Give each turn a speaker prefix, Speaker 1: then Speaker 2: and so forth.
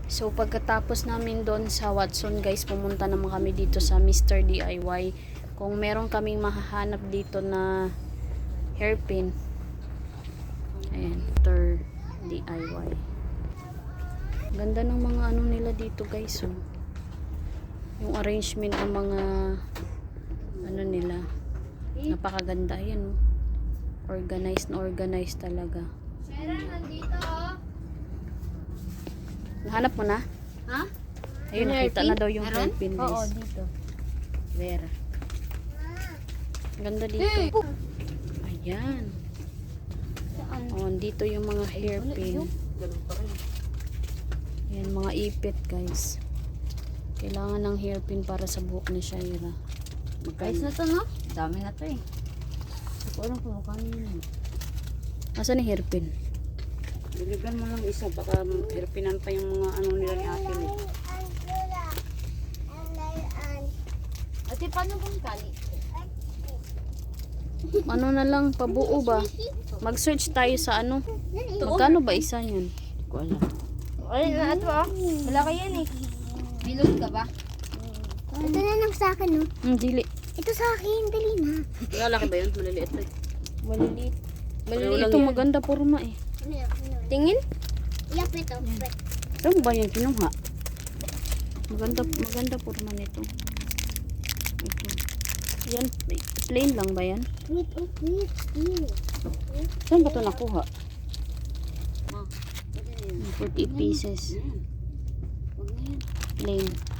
Speaker 1: So pagkatapos namin doon sa Watson guys, pumunta naman kami dito sa Mr. DIY. Kung meron kaming mahahanap dito na hairpin. Ayan, Mr. DIY. Ganda ng mga ano nila dito guys. Oh. Yung arrangement ng mga ano nila. Napakaganda. Ayan. Oh. Organized na organized talaga.
Speaker 2: Sarah, nandito oh.
Speaker 1: Nahanap mo na?
Speaker 2: Ha?
Speaker 1: Ayun, nakita na daw yung hairpin guys.
Speaker 2: Oo, dito.
Speaker 1: Where? Ganda dito.
Speaker 2: Hey!
Speaker 1: Ayan.
Speaker 2: Saan?
Speaker 1: Oh, dito yung mga hairpin. Ayan, mga ipit guys. Kailangan ng hairpin para sa buhok ni Shaira.
Speaker 2: Guys na to, no? Dami na to eh. Hindi ko alam kung mukha yun.
Speaker 1: Asan yung hairpin?
Speaker 3: Biligan mo lang isa, baka hairpinan pa yung mga ano nila ni ate mo.
Speaker 2: Ate, paano bang kali?
Speaker 1: Ano na lang, pabuo ba? Mag-search tayo sa ano. Magkano ba isa yan?
Speaker 3: Hindi ko alam.
Speaker 2: Ay, na ito ah. Wala ka yan eh. Bilog ka ba?
Speaker 4: Ito na lang sa akin, no?
Speaker 1: Dili.
Speaker 4: Ito sa akin, dali na.
Speaker 3: Lalaki ba yun? Maliliit ba?
Speaker 2: Maliliit.
Speaker 1: Ito maganda forma eh.
Speaker 2: Tingin?
Speaker 4: Yap, ito.
Speaker 1: Saan ba yan kinuha? Maganda forma nito. Ito. Yan, plain lang ba yan?
Speaker 4: Wait, oh, wait.
Speaker 1: Saan ba ito nakuha? 40 pieces. Plain.